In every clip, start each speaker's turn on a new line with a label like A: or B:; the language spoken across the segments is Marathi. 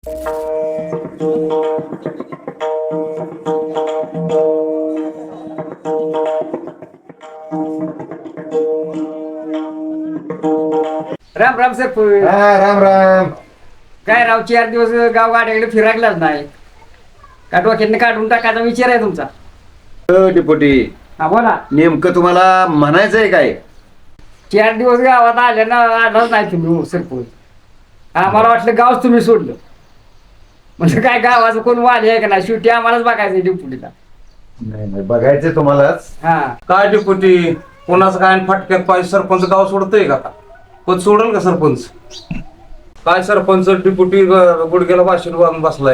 A: राम राम सर.
B: राम राम.
A: काय राव 4 दिवस गाव गाड्याकडे फिरायलाच नाही का? डोक्यातनं काढून टाकायचा विचार आहे तुमचा?
B: डिपोटी,
A: हा बोला.
B: नेमकं तुम्हाला म्हणायचंय काय?
A: 4 दिवस गावात आले ना, आलाच नाही तुम्ही सरपंच. आम्हाला वाटलं गावच तुम्ही सोडलं. म्हणजे काय गावाचं कोण वाली आहे का नाही? शेवटी आम्हालाच बघायचं डिप्युटीला.
B: नाही बघायचंय तुम्हालाच.
A: हा
C: काय डेपुटी, कोणाचं काय फटक्यात पाहिजे? सरपंच गाव सोडतोय का? पण सोडल का सरपंच? काय सरपंच डेपुटी गुडघ्याला भाषण बांधून बसलाय.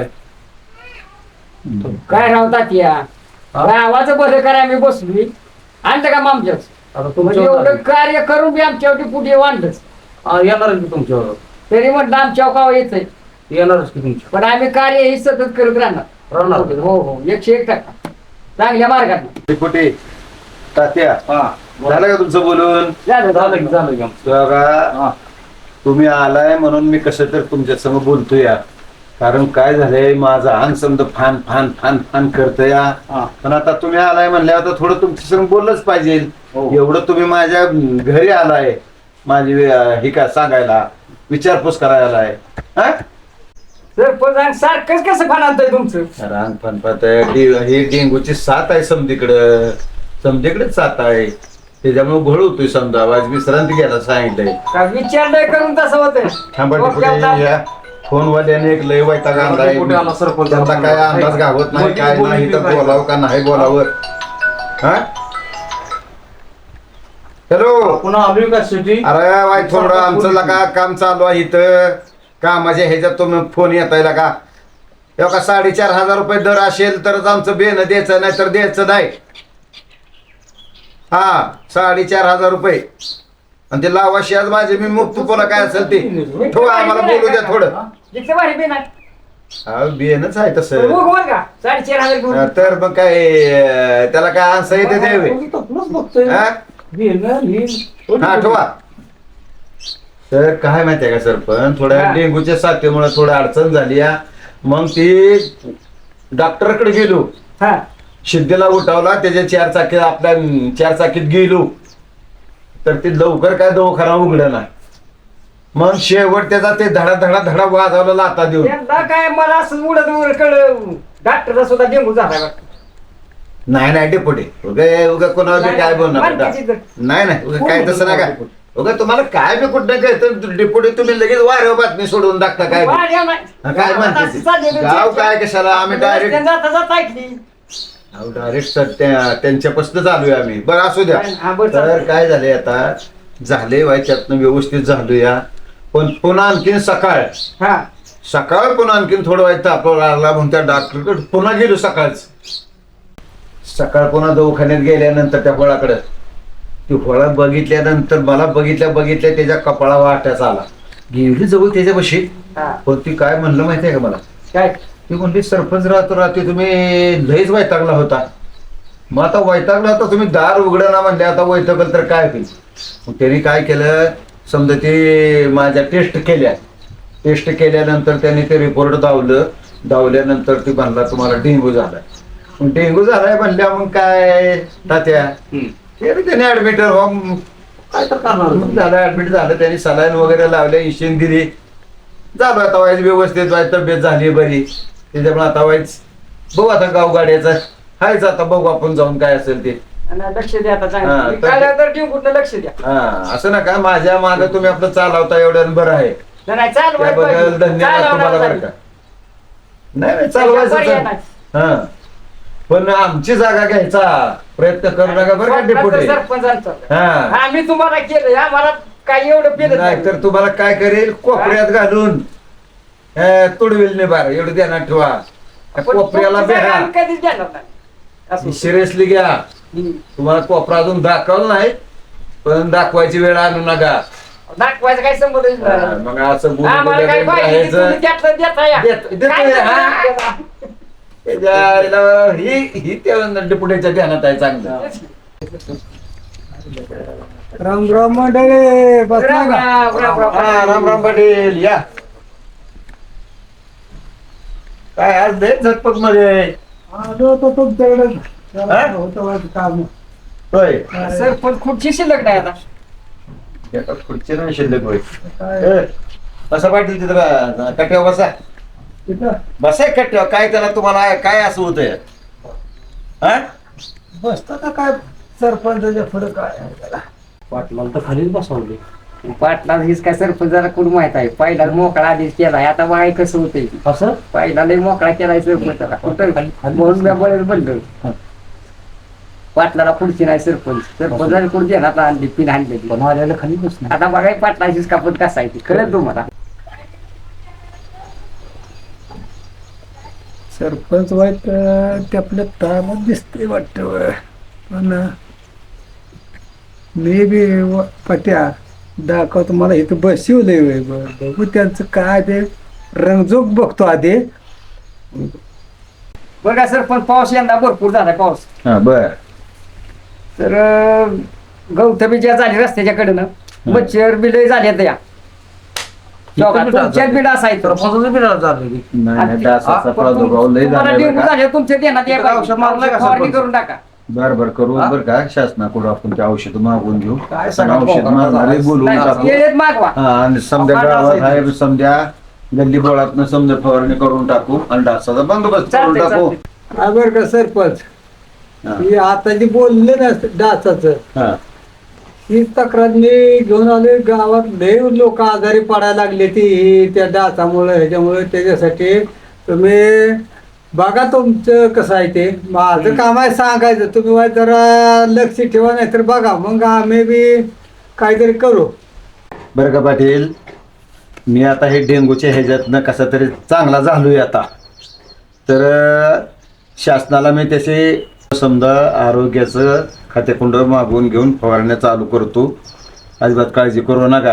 A: काय राहतात या गावाचं बरं करा, आम्ही बसलोय आणलं का मामच्याच?
C: आता
A: म्हणजे
C: तुमच्यावर
A: एवढं कार्य करून बी आमच्यावरती पुढे वाढलंच.
C: येणार की तुमच्यावर?
A: तरी म्हटलं आमच्या गाव येतंय,
C: येणारच की तुमच्या
A: पण आम्ही कार्य हे सतत करत राहणार.
C: राहणार.
A: हो हो 101% चांगल्या मार्गात.
B: डिपोटी, तात्या, झालं का तुमचं बोलून?
C: झालं की
B: बघा, तुम्ही आलाय म्हणून मी कसं तर तुमच्या समोर बोलतोय या. कारण काय झालंय, माझं अंग समजा फान फान फान फान करतोय या. पण आता तुम्ही आलाय म्हणल्यावर आता थोडं तुमच्या समोर बोललंच पाहिजे. एवढं तुम्ही माझ्या घरी आलाय, माझी हे काय सांगायला, विचारपूस करायला आलाय.
A: सरपंच सारखंच कसं फानालतंय तुमचं?
B: रांग फणफात ही डेंगूची साथ आहे समधीकडेच साथ आहे. त्याच्यामुळे घोळ होतोय. समजा आज विश्रांती घ्यायला सांगितलंय.
A: का विचारलंय करून तसं होतं?
B: थांबा डिपोटी, या फोनवाल्याने एक लय वैताग आणलाय.
C: डिपोटी आला सरपंच.
B: त्यांना काय अंदाज गावत नाही, काय नाही, तर बोलावं का नाही बोलावं. हॅलो,
C: पुन्हा आलोय का सिटी?
B: अरे वाय थोडं आमचं लगा काम चालू आहे इथं. कामाच्या ह्याच्यात तुम्ही फोन येताय का? एवढा 4,500 रुपये दर असेल तरच आमचं बेन द्यायचं, नाही तर द्यायचं नाही. 4,500 रुपये. आणि ते लावाशी आज माझे मी मुक्त पुन्हा काय असेल ते ठेवा, आम्हाला बोलू द्या थोडं.
A: जिथे भारी बी नाही
B: बेनच आहे तसं.
A: वर का 4,500 घेऊन.
B: तर मग काय त्याला काय आन्सर येते द्यावे. ठेवा. तर काय माहितीये का सरपंच, थोड्या डेंगूच्या साथीमुळे थोडं अडचण झाली. मग ती डॉक्टरकडे गेलो. शिद्धीला उठवला, त्याच्या 4 चाकी आपल्या 4 चाकीत गेलो, तर ती लवकर काय दवाखाना उघडं नाही. मग शेवट त्याचा ते धडा धडा धडा वाजवला लाता देऊन.
A: त्यांना काय मला असं उडत उडत कळलं डॉक्टरचा सुद्धा डेंगू झाला वाटतं.
B: नाही डेपुटी, उगा कोणावर काय बोलणार. नाही उगा काय तसं नका. उगा तुम्हाला काय बी कुठं काय तर डेपुटी तुम्ही लगेच वाऱ्यावर बातमी सोडून टाकता. काय काय म्हणते गाव काय कशाला? आम्ही डायरेक्ट त्यांच्यापासून चालूया आम्ही. बरं असू द्या. तर काय झालंय आता, झाले त्यातनं व्यवस्थित झालूया. पण पुन्हा आणखीन सकाळ पुन्हा आणखीन थोडं वाईट तापला लागला म्हणून त्या डॉक्टरकडे पुन्हा गेलो. सकाळ पुन्हा दवाखान्यात गेल्यानंतर त्या फळाकडे ती फळा बघितल्यानंतर मला बघितल्या त्याच्या कपाळा वाट्याचा आला. गेली जवळ त्याच्यापाशी. पण ती काय म्हणलं माहितीये का मला?
A: काय
B: ती म्हणली, सरपंच रात्री तुम्ही लयच वैतागला होता. मग आता वैतागला होता तुम्ही, दार उघडं ना म्हणले, आता वैतागल तर काय होईल. मग त्यांनी काय केलं, समजा ते माझ्या टेस्ट केल्यानंतर त्यांनी ते रिपोर्ट दावल्यानंतर ती म्हणला तुम्हाला डेंगू झालाय. मग डेंगू झालाय म्हणल्या मग काय तात्या त्याने ऍडमिट
C: काय तर करणार
B: झालं. ऍडमिट झालं, त्यांनी सलाईन वगैरे लावल्या, इंजेक्शन दिली. झालं आता वाईज व्यवस्थित तब्येत झाली बरी. त्याच्यामुळे आता वाईज बघू, आता गाव गाड्याचा हायच. आता बघू आपण जाऊन काय असेल ते.
A: लक्ष द्या आता चांगलं. डेंगूला लक्ष द्या.
B: असं ना का माझ्या मागे तुम्ही आपलं चालवता एवढं बरं आहे. त्याबद्दल धन्यवाद तुम्हाला बरं का. नाही चालवायचं. पण आमची जागा घ्यायचा प्रयत्न करू नका बरं का डेपुटी.
A: आम्ही तुम्हाला केलं, आम्हाला काही एवढं केलं
B: नाही तर तुम्हाला काय करेल, कोपऱ्यात घालून तुडविल नाही. बार एवढं ध्यानात ठेवा. कोपऱ्याला बेहा,
A: कधीच देणार नाही.
B: सिरियसली घ्या. तुम्हाला कोपरा अजून दाखवलं नाही, पण दाखवायची वेळ आणू नका.
A: दाखवायचं काय संबंध?
B: मग असं
A: आम्हाला काय पाहिजे तुम्ही त्यातलं देता या.
B: ही त्या डेपुटीच्या ध्यानात आहे चांगलं.
D: राम राम मंडळी,
A: राम राम.
B: राम राम पाटील या. काय आज लय झटपट मध्ये
D: आलो होतो तुमच्याकडे
B: हा?
D: होतं माझं काम.
B: होय
A: सरपंच खुर्ची शिल्लक नाही आता.
B: एका खुर्ची नाही शिल्लक होय
D: काय
B: ए, बसा पाटील तिथं कट्ट्यावर बसा
D: तिथं
B: बसाय कट्ट्यावर काय त्याला तुम्हाला काय असं होतंय हा
D: बसता का काय सरपंचाच्या पुढे काय आहे त्याला?
C: पाटलाला तर खालीच बसवले.
A: पाटला हीच काय सरपंचाला कोण माहित आहे. पहिला मोकळा आधीच केलाय, आता बाय कसं होतंय.
C: असं
A: पहिला लय मोकळा केलाय सरपंचाला कुठं म्हणून मी बळच बनलो. पाटलाला खुर्ची नाही सरपंचाला खुर्ची आहे ना, आता आणली पिन आणली.
C: पण आल्याला खाली बसणार.
A: आता बघाय पाटलाचीच कापत कसायची कळत तुम्हाला.
D: सरपंच वाईट ते आपल्या ताब्यात दिसते वाटतं. पण मी बी पट्या दाखवतो मला इथं बसवलंय. बघू त्यांचं काय ते रंगजोग बघतो आधी.
A: बघा सरपंच पाऊस यंदा भरपूर झालाय पाऊस.
B: हा बर
A: तर गौतमी ज्या झाली रस्त्याच्या कडनं मच्छर बिलय झाले या तुमच्यात बिल असायचं.
C: सरपंचाचं बी झालं.
B: नाही डासाचा प्रादुर्भाव लय
A: तुम्हाला
B: झालाय
A: डेंगू
B: बरं का?
A: झाले तुमच्या देण्यात या
C: तिथं औषध मारलंय का
A: फवारणी
C: सरपंच?
A: करून टाका.
B: बर करू बर का शासनाकडून आपण ते औषध मागवून घेऊ
C: काय
B: पण
C: सगळं
B: औषध
C: बोंबाबोंब
B: मारणारे
C: झालाय.
B: बोलवून
A: नाही,
B: टाकू
A: वेळेत मागवा.
B: हा आणि समजा
C: आपण
B: गावात
C: डास
B: आहे समजा गल्ली बोळातनं समजा फवारणी करून टाकू आणि डासाचा बंदोबस्त करून
A: चालतंय,
B: टाकू
A: चालतंय.
D: काय बरं का सरपंच,
B: हा.
D: ही आता जे बोलले ना डासाचं,
B: हा.
D: ही तक्रार मी घेऊन आले. गावात लय लोक आजारी पडायला लागले ती त्या डासामुळे ह्याच्यामुळे. त्याच्यासाठी तुम्ही बघा तुमचं कसं आहे ते. माझं काम आहे सांगायचं, तुम्ही वाईट जरा लक्ष ठेवा, नाही तर बघा मग आम्ही बी काहीतरी करू.
B: बरं का पाटील, मी आता हे डेंगूच्या ह्याच्यातनं कसा तरी चांगला झालोय आता. तर शासनाला मी त्याचे समजा आरोग्याचं खातेकुंड मागवून घेऊन फवारण्या चालू करतो. अजिबात काळजी करू नका.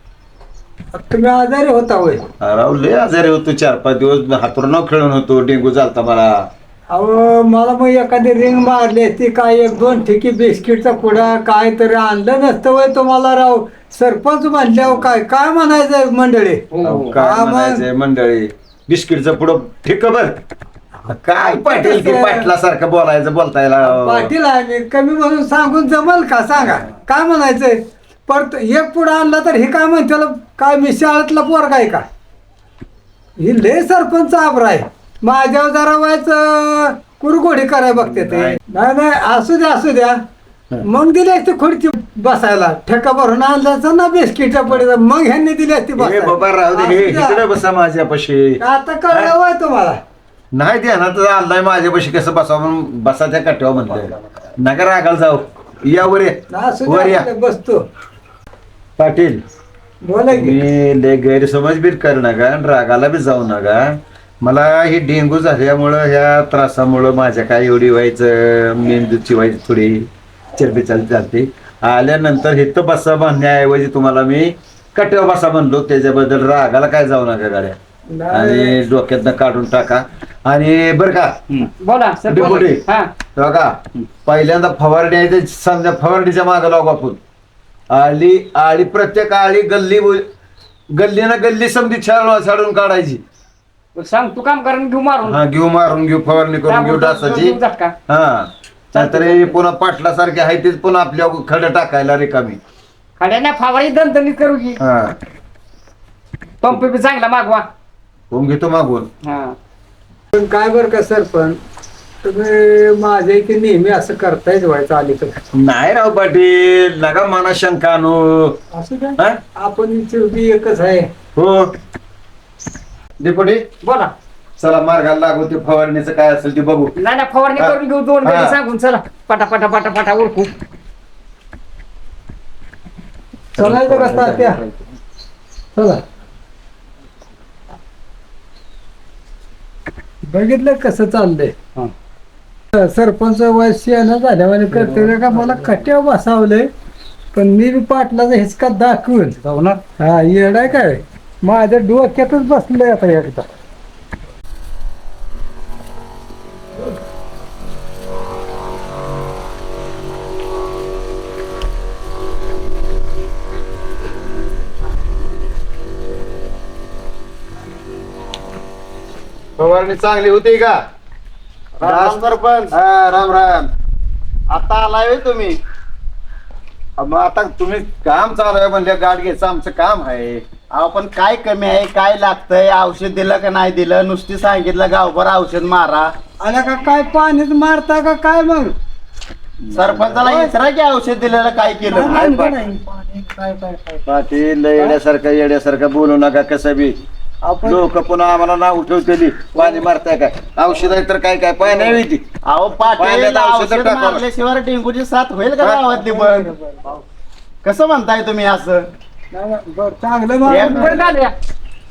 D: तुम्ही आजारी होता होय?
B: राव लय आजारी होतो, 4-5 दिवस हातरुणाव खेळून होतो, डेंगू झालता मला.
D: अहो मला मग एखादी रिंग मारली असती, काय 1-2 ठिकी बिस्किटचा पुडा काय तरी आणलं नसतं वय तुम्हाला. राव सरपंच म्हणल्यावर काय काय म्हणायचं मंडळी.
B: अहो, काय
D: हा, मग.
B: म्हणायचंय मंडळी, बिस्किटचं पुढं ठीक बर. काय पाटील की पाटलासारखं बोलतायला.
D: पाटील आहे मी, कमी म्हणून सांगून जमल का सांगा. काय म्हणायचंय परत एक पुढं आणला तर हे काय म्हणते, काय मी शाळेतला पोरगा आहे का? ही लय सरपंच आबरा आहे. माझ्यावर जरा व्हायचं कुरघोडी कराय बघते ते. नाही नाही असू द्या मग दिली असती खुर्ची बसायला. ठेका भरून आणला ना बिस्किट पडे, मग ह्यांनी दिली असती
B: हे बाबा राहू दे, हे इकडे बसा माझ्यापाशी.
D: आता कळलं वय तुम्हाला.
B: नाही ते ना तर आणलाय माझ्यापाशी कसं बसावं म्हणून बसा त्या कट्ट्यावर म्हणलं. नका रागाला जाऊ, या वर ये.
D: असू
B: वर या
D: द्या बसतो.
B: पाटील,
D: बोला की.
B: मी लय गैरसमज बी करू नका आणि रागाला बी जाऊ नका. मला ही डेंगू झाल्यामुळं ह्या त्रासामुळं माझ्या काय एवढी व्हायचं, मेंदूची व्हायची थोडी चरबी चालते. आल्यानंतर इथं बसा म्हणण्याऐवजी तुम्हाला मी कट्ट्यावर बसा म्हणलो. त्याच्याबद्दल रागाला काय जाऊ नका गाड्या, आणि डोक्यातनं काढून टाका. आणि बरं का
A: बोला
B: डेपुटी.
A: सरपंच. हा
B: बघा, पहिल्यांदा फवारणी आहे ते समजा फवारणीच्या मागं लागू आपण. आळी प्रत्येक आळी गल्लीनं गल्ली समधी छाडून काढायची.
A: सांग तू काम करून घेऊ मारून.
B: हा घेऊ मारून घेऊ फवारणी करून घेऊ डासाची.
A: झटका.
B: हा नंतर हे पुन्हा पाटलासारखे आहे तेच पुन्हा आपल्या खडं टाकायला रिकामी.
A: खड्याने फवारणी दणदणीत करू की.
B: हा
A: पंप बी चांगला मागवा.
B: होऊन घेतो मागून.
A: हा
D: पण काय बरं का सरपंच, तुम्ही माझ्या इथे नेहमी असं करतायच व्हायचं अलीकडे.
B: नाही राव पाटील, नका मना शंका आणू.
D: असं काय
B: हा?
D: आपण शेवटी एकच आहे.
B: हो डेपुटी,
A: बोला.
B: चला मार्गाला लागू, ते फवारणीचं काय असेल ते बघू.
A: नाही ना फवारणी
B: हा.
A: करून घेऊ 2
B: हा.
A: मिनिट सांगून. चला पटा उरकू.
D: चलायचं कसं त्या. चला बघितलं कसं चाललंय. सरपंच वयस्यानं झाल्यावर करते का मला कट्यावर बसावलंय. पण मी बी पाटलाचा हिसका दाखवून हा येडाय काय माझ्या डोक्यातच बसलंय आता एकदा.
B: फवारणी चांगली होती का?
E: राम सरपंच.
B: हा, राम राम.
E: आता आलाय होय तुम्ही?
B: मग आता तुम्ही काम चालू आहे म्हणजे गाठ घ्यायचं आमचं काम आहे.
E: अहो पण काय कमी आहे, काय लागतंय, औषध दिलं का नाही दिलं? नुसती सांगितलं गावभर औषध मारा.
D: आला का काय पाणीच मारता का काय मग?
E: सरपंचाला विचारा की औषध दिलेलं काय केलं.
D: नाही, नाही.
B: पाटील लय येड्यासारखं बोलू नका. कसं बी
D: आपण
B: लोक पुन्हा आम्हाला नाव ठेवतेली पाणी मारताय काय औषध आहे तर काय काय पाय नाही होती.
E: अहो पाटील
B: पाण्यात औषधं
E: औषध
B: टाकावं.
E: मारल्याशिवाय डेंगूची साथ होईल का
B: हा?
E: गावातली बंद? कसं म्हणताय तुम्ही असं?
D: नाही, नाही, बरं चांगलं मग
A: बरं झालं या.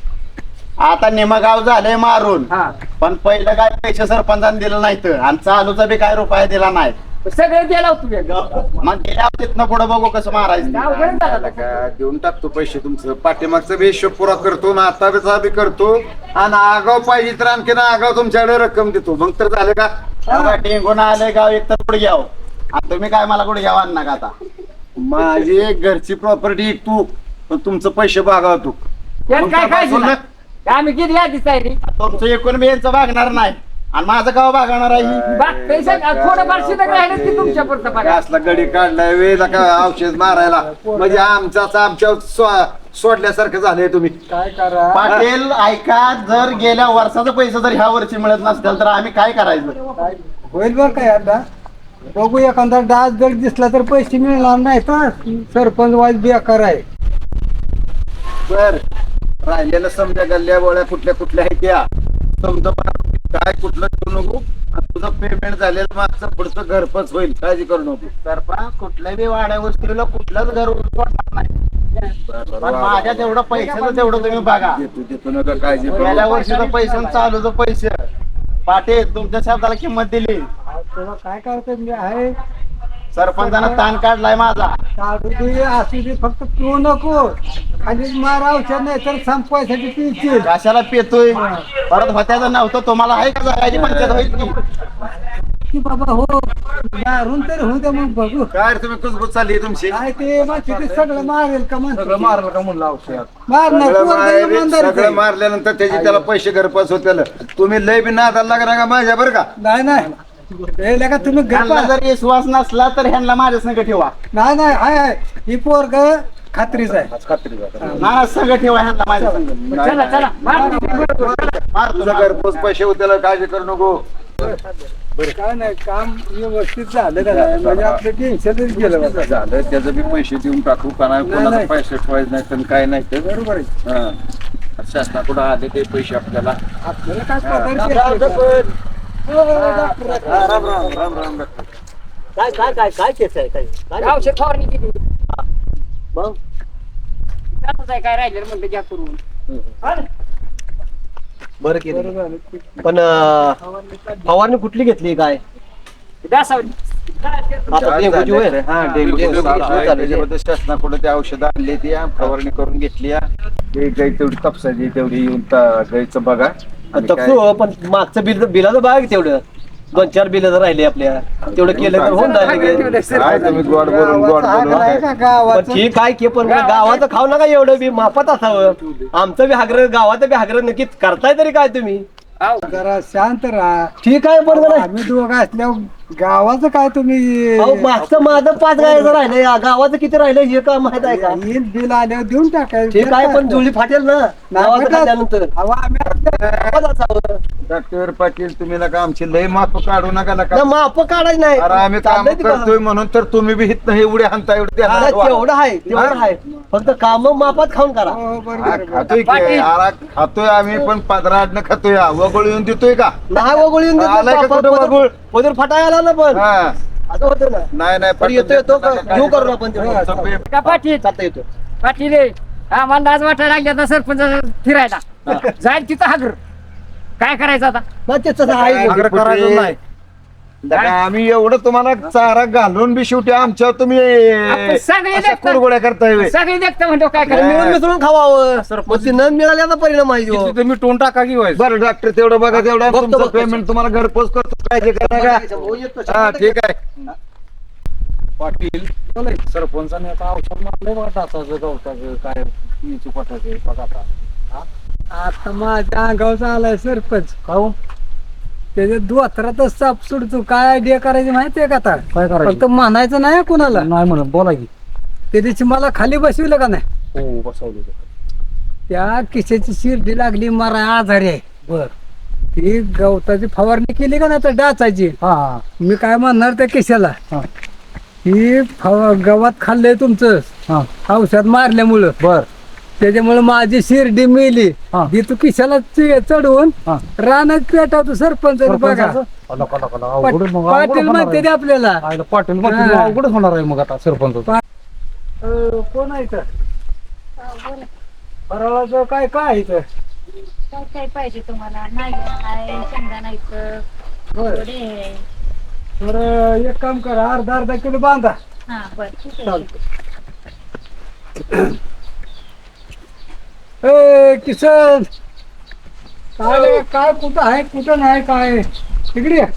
E: आता निमगाव झालंय मारून,
A: हा
E: पण पहिलं काय पैसे सरपंचाने दिलं नाही तर, आणि चालूचा बी काय रुपया दिला नाही.
A: सगळे द्यायला तुम्ही
E: मग गेल्या तिथनं पुढे बघू कसं मारायचं.
A: अवघड झालं
B: का देऊन टाकतो पैसे तुमचं. पाठीमागचा बी हिशोब पुरा करतो ना आता बी करतो. आणि आगाव पाहिजे तर आणखीन आगाव तुमच्याकडे रक्कम देतो. मग तर झालं का?
E: तेव्हा डेंगून आले गाव एक तर पुढे घ्यावं, आणि तुम्ही काय मला कुठे घ्यावा ना का आता?
B: माझी घरची प्रॉपर्टी तू पण तुमचं पैसे बघा तू.
A: यात काय काय
B: तुमचं
A: दिलं? आम्ही किती यादीच आहे रे.
E: तुमचं एकूण बी यांचं भागणार नाही, आणि माझं गाव भागणार आहे.
A: बाग थोडंफार शिल्लक राहिलं की तुमच्या पुरतं बघा.
B: असला गडी काढलाय वेळ का औषध मारायला म्हणजे आमच्या सोडल्यासारखं झालंय तुम्ही.
D: काय करा
E: पाटील ऐका, जर गेल्या वर्षाचे पैसे जर ह्या वर्षी मिळत नसतील तर आम्ही काय करायचं?
D: काय होईल बरं काय आता बघू. एखादा डास जर दिसला तर पैसे मिळणार नाही तर सरपंच वाईज बेकार आहे.
B: बर राहिलेलं समजा गल्ल्या बोळ्या कुठल्या कुठल्या आहेत त्या समजा काय कुठलं करू नको. आणि तुझं पेमेंट झालेलं मागचं पुढचं घरपच होईल. काळजी करू नको.
E: सरपंच कुठल्याही बी वाड्या वस्तीला कुठलंच घर उलटणार नाही, पण माझ्या तेवढं पैशाचं तेवढं तुम्ही बघा.
B: देतो नका काळजी करू
E: गेल्या
B: नका.
E: वर्षीचं पैसे चालूचं पैसे. पाटील तुमच्या शब्दाला किंमत दिली.
D: तुला काय करतो मी आहे
E: सरपंचानं ताण काढलाय माझा.
D: काढू दे असू दे फक्त तू नको. खाली मार औषध नाही तर संपवायसाठी पिशील.
E: कशाला पेतोय? परत होत्याचं नव्हतं तुम्हाला आहे का जगायची पंचायत होईल की?
D: की बाबा हो मारून तर होऊ दे मग बघू.
B: काय रे तुम्ही कुजबुज चालली आहे तुमची?
D: काय ते माहिती ते सगळं मारेल का म्हणतो
C: मारलं का म्हणलं औषध?
D: मारणार
B: सगळं
D: पोरगं
B: मारे-
D: इमानदारीचं
B: सगळं
D: आहे.
B: मारल्यानंतर त्याची त्याला पैसे घरपास होत्याला. तुम्ही लय बी नादाला लागणार का माझ्या बरं का?
D: नाही नाही हे लगा तुम्ही
E: ह्यांना
D: गप्पा
E: जर विश्वास नसला तर ह्यांना माझ्या संग ठेवा.
D: नाही नाही आहे ही पोरग खात्रीच आहे.
E: ना संग ठेवा ह्यांना माझ्या संग.
A: चला चला मार बरोबर.
E: मार
B: तुझं
E: तुझा
B: घरपोच पैसे होत्याला काळजी करू नको.
D: काय नाही काम व्यवस्थित झालं का नाही? म्हणजे आपलं टेन्शनच गेलं बघा.
B: झालं त्याचं बी पैसे देऊन टाकू का नाही? कोणाचे
D: नाही.
B: पैसे ठेवायचे नाही तर काय नाही तर
D: बरोबर आहे.
B: हा. शासनाकडून आले ते पैसे आपल्याला.
D: आपल्याला काय
B: हा.
D: पगार भेटतो का? हो, डॉक्टर.
B: राम राम राम राम.
F: काय केस आहे काय
A: औषध फवारणी किती
F: मग
A: चालूच आहे काय राहिलेलं म्हणलं घ्या करून.
F: बरं केलं
D: बरं झालं.
F: पण फवारणी कुठली घेतली काय
A: दासावली
F: आता डेंग्यूची होय?
B: हा, डेंग्यूची साथ आहे. त्याच्याबद्दल शासनाकडे ते औषधं आणली ती फवारणी करून घेतली. ते गाई तेवढी तपसायची तेवढी येऊन गाईचं बघा. आणि काय-
F: तपसू पण मागचं बिलाचं बघा की तेवढं 2-4 बिल राहिले आपल्या तेवढं केलं तर होऊन जाईल.
B: काय तुम्ही गोड बोलून गोड
D: चांगलं आहे
B: बोलून
D: का
F: पण
D: गावाचं?
F: ठीक आहे की पण गावाचं खाऊ नका एवढं बी मापात असावं. आमचं बी हागर गावाचं बी हागर नक्की करताय तरी काय तुम्ही?
D: जरा शांत राहा.
F: ठीक आहे पण जरा-
D: आम्ही दोघं असल्यावर गावाचं काय तुम्ही
F: अहो मागचं माझं 5 गायचं राहिलंय गावाचं किती राहिलं हे का माहित आहे का?
D: येईल बिल आल्यावर देऊन टाकायचं.
F: ठीक आहे पण जुळी फाटेल ना गावाचं खाल्ल्यानंतर
D: अहो, आम्ही
F: गावात असावं.
B: डॉक्टर पाटील तुम्ही नका आमची लय माफ काढू नका
F: ना
B: नका.
F: माप काढायचं नाही
B: अरे आम्ही काम
F: चाललंय ते बघा.
B: करतोय म्हणून तर तुम्ही बी हित नाही एवढे हाणता एवढे
F: हा, तेवढं आहे तेवढं आहे फक्त काम मापात खाऊन करा.
D: हो, बरोबर आहे.
B: खातोय की
A: पाटील.
B: अरे खातोय आम्ही पण पदराडनं खातोय वगळ येऊन देतोय का?
F: नाही वगळून येऊन देतो
B: आलाय का
F: बापा,
B: कुठं
F: पदर-
B: वगळ?
F: पदर फटाय आला ना पण
B: हा.
F: असं होतं ना
B: नाही नाही
F: पण येतो येतो घेऊ करू आपण तेवढं.
B: तुमचं पे-
A: का पाटील
F: चालतं येतो
A: पाटील रे आम्हाला लाज वाटायला लागली आता सरपंच फिरायला जाईल तिथं हागर काय करायचं आता.
F: मग ते तसं आहे
B: आग्रह करायचं नाही. दादा, आम्ही एवढं तुम्हाला चारा घालून बी शेवटी आमच्यावर तुम्ही
A: आपण सगळे
B: अशा
A: देखतात.
B: कुरगोड्या करताय व्हय.
A: सगळे देखतं म्हणतो काय
F: तर
A: करायचं.
F: मिळून मिसळून खावावं मग ते न मिळाल्याचा परिणाम आहे ह्यो.
C: तुम्ही टोन टाका की व्हायचं.
B: बरं डॉक्टर तेवढं बघा तेवढं
F: बघतो,
B: तुमचं
F: बघतो.
B: पेमेंट तुम्हाला घरपोच करतो काय करा
F: हो, येतो,
B: का? हा ठीक आहे.
C: पाटील सरपंचाने आता औषध मारलंय बघा डासाचं गवताचं काय पोटाचं बघा आता.
D: आता माझ्या अंगावचा आलाय सरपंच
E: काहून
D: त्याच्या दोतरातच साप सुटतो. काय आयडिया करायची माहितीये का आता?
E: काय करायचं?
D: फक्त म्हणायचं नाही कुणाला.
E: नाही म्हणत बोला की.
D: त्या दिवशी मला खाली बसविलं का नाही,
E: हो बसवलं
D: त्या किशाची शिर्डी लागली मारा आजारी आहे.
E: बर.
D: ती गवताची फवारणी केली का नाही तर डाचायची.
E: हा
D: मी काय म्हणणार त्या किशाला,
E: हा
D: ही गवत खाल्लंय तुमचं
E: हा
D: औषध मारल्यामुळं,
E: बर.
D: त्याच्यामुळे माझी शिर्डी मेली.
E: हा.
D: ती तू किशाला चढवून
E: हा.
D: रानात पेटावतो सरपंच बघा.
E: सरपंचाचं? अला, कला, कला, अवघड मग, अवघड
D: पाटील
E: होणार
D: म्हणते
E: आहे.
D: ते आपल्याला.
E: आईला पाटील म्हणते
D: हा.
E: अवघड होणार आहे मग आता सरपंच.
D: कोण आहे तर फराळाचं काय काय आहे इथं?
G: काय काय पाहिजे तुम्हाला? नागिन आहे, शेंगदाणा इथं,
D: बरं.
G: वडे आहे.
D: तर एक काम करा, अर्धा किलो बांधा.
G: हा बरं ठीक आहे.
D: चालतं. ए किसन, काय काय कुठं आहे कुठं नाही काय तिकडे ये.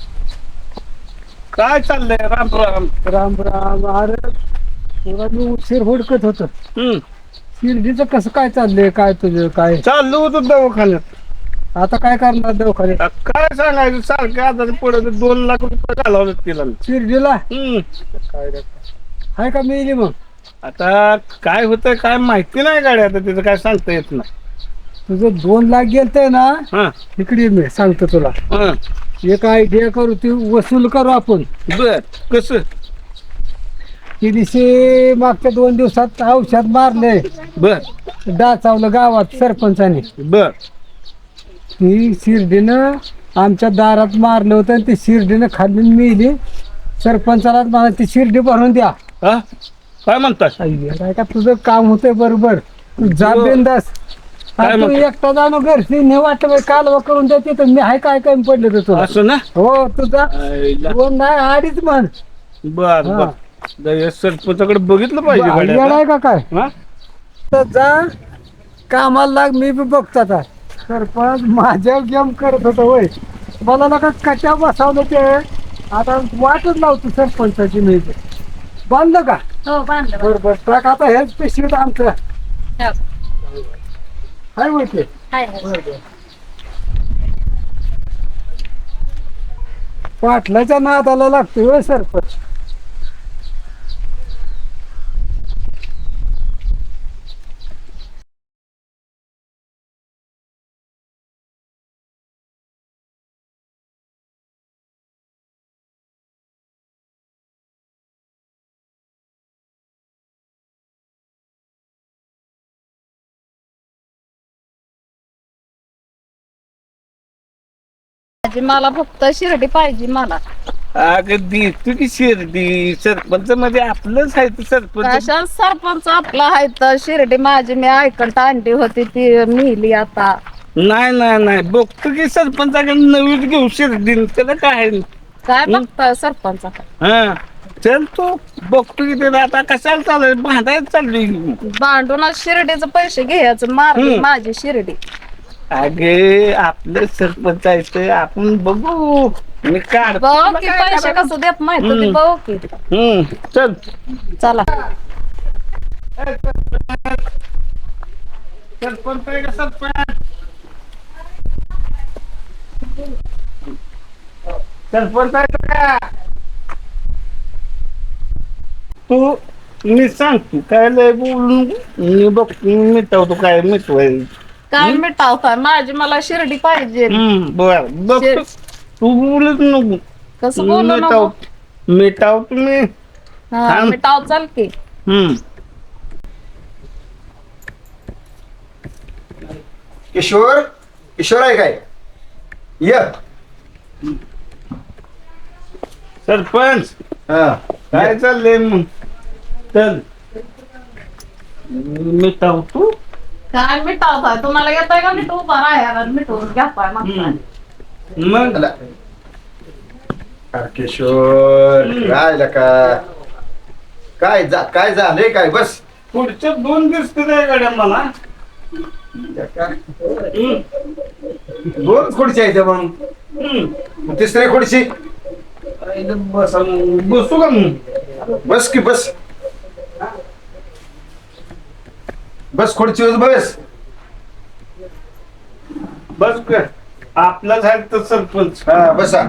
F: काय चाललंय राम राम.
D: राम राम. अरे तुला मी उशीर हुडकत होत. शिर्डीचं कसं काय चाललंय, काय तुझं काय?
F: चाललो होतो दवाखान्यात.
D: आता काय करणार दवाखान्यात?
F: काय सांगायचं सारखं आता पुढे 2 लाख रुपये घालावलं तिला.
D: शिर्डीला काय आहे का मिळली मग?
F: आता काय होतं काय माहिती नाही गाडी, आता तिचं काय सांगता येत नाही.
D: तुझं 2 लाख गेलतंय ना,
F: हा
D: इकडे मी सांगतो तुला.
F: हा
D: एक आयडिया करू, ती वसूल करू आपण.
F: बर. कसं?
D: ती दिवशी मागच्या 2 दिवसात औषध मारले,
F: बर
D: डाचावलं गावात सरपंचाने.
F: बर.
D: ती शिर्डीनं आमच्या दारात मारलं होतं आणि ती शिर्डीनं खाली मिली. सरपंचाला मला ती शिर्डी भरून द्या.
F: हा काय म्हणतात?
D: अय्या, काय का तुझं काम होतंय बरोबर. तू जा
F: हो.
D: बिंदास.
F: काय
D: तू
F: म्हणतो?
D: एकटा जाणं घरची नाही वाटलं कालवा करून द्यायची तर मी हाय काय कमी पडलं तर तुला.
F: असं ना.
D: हो तुझा
F: आईला.
D: 2 नाही 2.5 म्हण.
F: बर
D: हा.
F: बर. सरपंचाकडे बघितलं पाहिजे गाडी
D: येड
F: आता.
D: आहे का काय?
F: हा?
D: तर जा कामाला लाग, मी बी बघतो आता. सरपंच माझ्या गेम करत होतो होय, मला नका कशा बसवलं ते. आता वाटच लावतो सरपंचाची मी. बांधलं का?
G: हो बांधलं
D: बरोबर. ट्रक आता हेच पिशवीत आमचं
G: हो.
D: हाय माहिती.
G: हाय हाय.
D: पाटलाच्या नादाला लागतोय होय सरपंच.
G: मला फक्त शिर्डी पाहिजे मला.
F: अगदी तू की शिर्डी सरपंच मध्ये आपलंच आहे ते सरपंच.
G: कशा सरपंच आपला आहे तर शिर्डी माझी मी ऐकत आणली होती ती मिली आता.
F: नाही नाही नाही बघतो की सरपंचाकडे नवीन घेऊ शिर्डी त्याला काय आहे?
G: काय बघताय सरपंच?
F: हा चल तू बघतो की त्याला आता कशाला चालू भांडायला चालली.
G: भांडूनच शिर्डीचे पैसे घ्यायचं, मारली माझी शिर्डी.
F: अगे आपलं सरपंच आहे ते आपण बघू. मी काढ
G: बघ की पैसे कसं देत नाही तुम्ही, बघ की.
F: चल.
G: चला.
F: सरपंच आहे का सरपंच? सरपंच आहे का? तू मी सांगतो काय लय बोलून मी बघ मिटवतो काय मिटवाय.
G: काय मिटावताय? माझी मला शिर्डी पाहिजे.
F: बर बघ तू बोलत नको.
G: कसं बोलू नको?
F: मिटाव तुम्ही.
G: हा
F: थांब.
G: मिटाव चाल की.
B: किशोर किशोर आहे काय? ये.
F: सरपंच
B: हा
F: काय चाललंय मग? चल मिटाव तू.
G: काय मिटावताय? तुम्हाला येतंय का मिठू? उभा राहायला मिटवून घ्यापाय मागताय.
F: मग
B: अरे किशोर काय लका काय काय झालंय काय? बस
F: पुढच्या 2 दिवस काय गाड्या मला.
B: 2 खुर्ची आहेत मग. तिसरी खुर्ची
F: बसू का मग?
B: बस की बस. बस खुर्चीवर बस.
H: बस कर. आपलाच आहे तर सरपंच.
B: हा बसा.